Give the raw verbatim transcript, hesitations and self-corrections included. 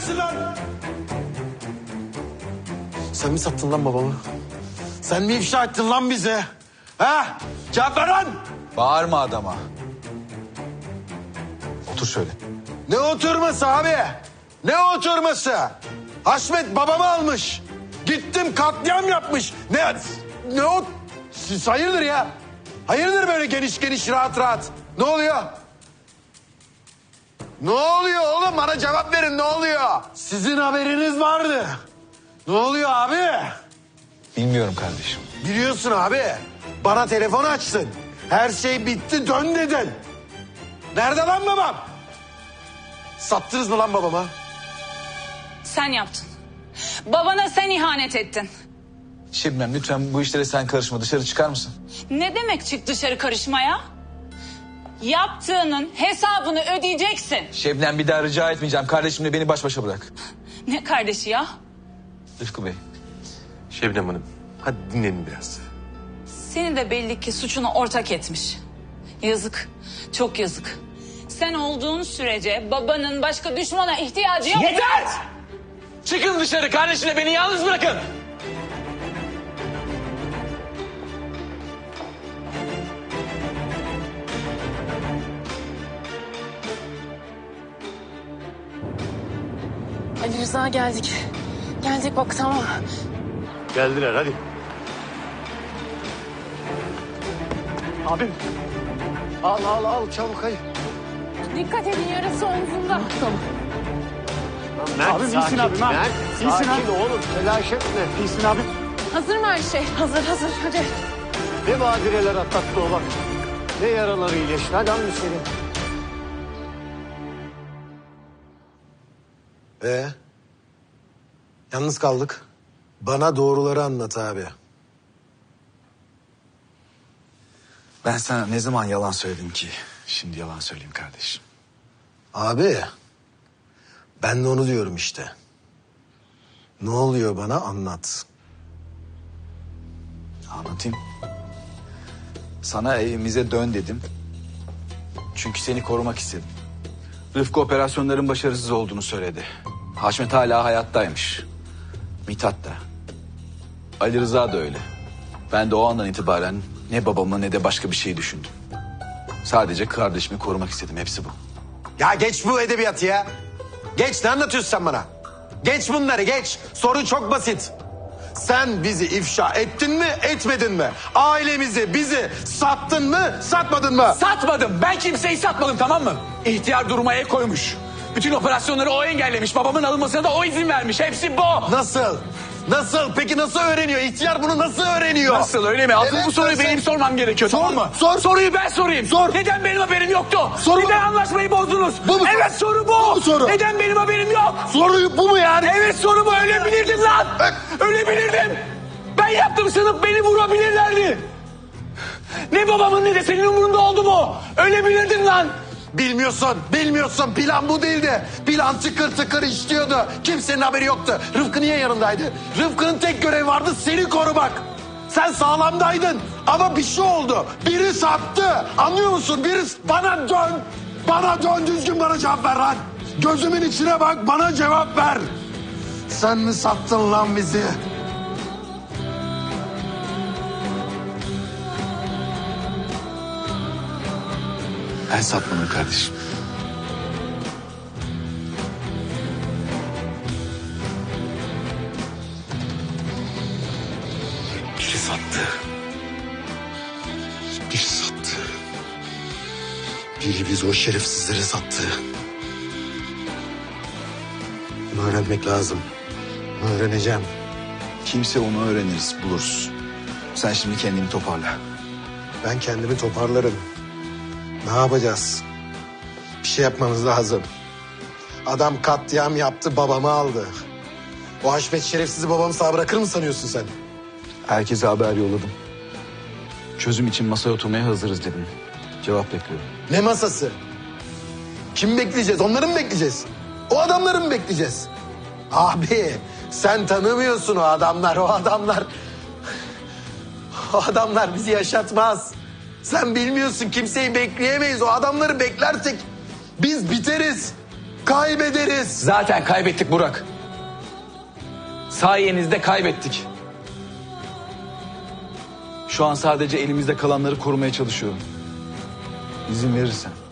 neredesin lan? Sen mi sattın lan babamı? Sen mi ifşa ettin lan bize? Ha? Cevap ver lan! Bağırma adama. Otur şöyle. Ne oturması abi? Ne oturması? Haşmet babamı almış. Gittim katliam yapmış. Ne ne o? Siz hayırdır ya? Hayırdır böyle geniş geniş rahat rahat? Ne oluyor? Ne oluyor oğlum? Bana cevap verin, ne oluyor? Sizin haberiniz vardı. Ne oluyor abi? Bilmiyorum kardeşim. Biliyorsun abi. Bana telefon açtın. Her şey bitti, dön dedin. Nerede lan babam? Sattınız mı lan babama? Sen yaptın. Babana sen ihanet ettin. Şebnem lütfen bu işlere sen karışma. Dışarı çıkar mısın? Ne demek çık dışarı karışmaya? Yaptığının hesabını ödeyeceksin. Şebnem bir daha rica etmeyeceğim. Kardeşimle beni baş başa bırak. Ne kardeşi ya? Rıfkı Bey. Şebnem Hanım, hadi dinlenin biraz. Seni de belli ki suçuna ortak etmiş. Yazık, çok yazık. Sen olduğun sürece babanın başka düşmana ihtiyacı yok. Yeter! Çıkın dışarı. Kardeşimle beni yalnız bırakın. Ali Rıza geldik. Geldik bak tamam. Geldiler hadi. Abim. Al al al çabuk hayır. Dikkat edin yarası omzunda. Tamam. Mert, Abim sakin, iyisin abim ha. Mert, İyisin sakin ha. oğlum telaş etme. İyisin abim. Hazır mı her şey? Hazır hazır hadi. Ne badireler atlattı o bak. Ne yaraları iyileşti. Hadi al seni. Ee, yalnız kaldık. Bana doğruları anlat abi. Ben sana ne zaman yalan söyledim ki? Şimdi yalan söyleyeyim kardeşim. Abi, ben de onu diyorum işte. Ne oluyor bana anlat. Anlatayım. Sana evimize dön dedim. Çünkü seni korumak istedim. Rıfkı operasyonların başarısız olduğunu söyledi. Haşmet hala hayattaymış. Mithat da. Ali Rıza da öyle. Ben de o andan itibaren ne babamı ne de başka bir şey düşündüm. Sadece kardeşimi korumak istedim. Hepsi bu. Ya geç bu edebiyatı ya. Geç, ne anlatıyorsun sen bana? Geç bunları geç. Soru çok basit. Sen bizi ifşa ettin mi, etmedin mi? Ailemizi, bizi sattın mı, satmadın mı? Satmadım. Ben kimseyi satmadım, tamam mı? İhtiyar duruma el koymuş. Bütün operasyonları o engellemiş. Babamın alınmasına da o izin vermiş. Hepsi bu. Nasıl? Nasıl? Peki nasıl öğreniyor? İhtiyar bunu nasıl öğreniyor? Nasıl, öyle mi? Asıl Evet, bu soruyu nasıl? benim sormam gerekiyor, Sor, tamam mı? sor. Soruyu ben sorayım. Sor. Neden benim haberim yoktu? Soru Neden bu. anlaşmayı bozdunuz? Bu mu? Evet, soru bu. Bu mu soru? Neden benim haberim yok? Soruyu bu mu yani? Evet, soru bu. Ölebilirdim lan. Evet. Ölebilirdim. Ben yaptım sanıp beni vurabilirlerdi. Ne babamın ne de senin umurunda oldu mu? Ölebilirdin lan. Bilmiyorsun, bilmiyorsun. Plan bu değildi. Plan tıkır tıkır işliyordu. Kimsenin haberi yoktu. Rıfkı niye yanındaydı? Rıfkı'nın tek görevi vardı, seni korumak. Sen sağlamdaydın ama bir şey oldu. Biri sattı. Anlıyor musun? Biri bana dön. Bana dön, düzgün bana cevap ver lan. Gözümün içine bak, bana cevap ver. Sen mi sattın lan bizi? Ben satmadım kardeşim. Biri sattı. Biri sattı. Biri biz o şerefsizleri sattı. Bunu öğrenmek lazım. Bunu öğreneceğim. Kimse onu öğreniriz, buluruz. Sen şimdi kendini toparla. Ben kendimi toparlarım. Ne yapacağız? Bir şey yapmamız lazım. Adam katliam yaptı, babamı aldı. O Haşmet şerefsizi babamı sağ bırakır mı sanıyorsun sen? Herkese haber yolladım. Çözüm için masaya oturmaya hazırız dedim. Cevap bekliyorum. Ne masası? Kim bekleyeceğiz? Onları mı bekleyeceğiz? O adamları mı bekleyeceğiz? Abi sen tanımıyorsun o adamlar, o adamlar. O adamlar bizi yaşatmaz. Sen bilmiyorsun, kimseyi bekleyemeyiz. O adamları beklersek biz biteriz. Kaybederiz. Zaten kaybettik Burak. Sayenizde kaybettik. Şu an sadece elimizde kalanları korumaya çalışıyorum. İzin verirsen.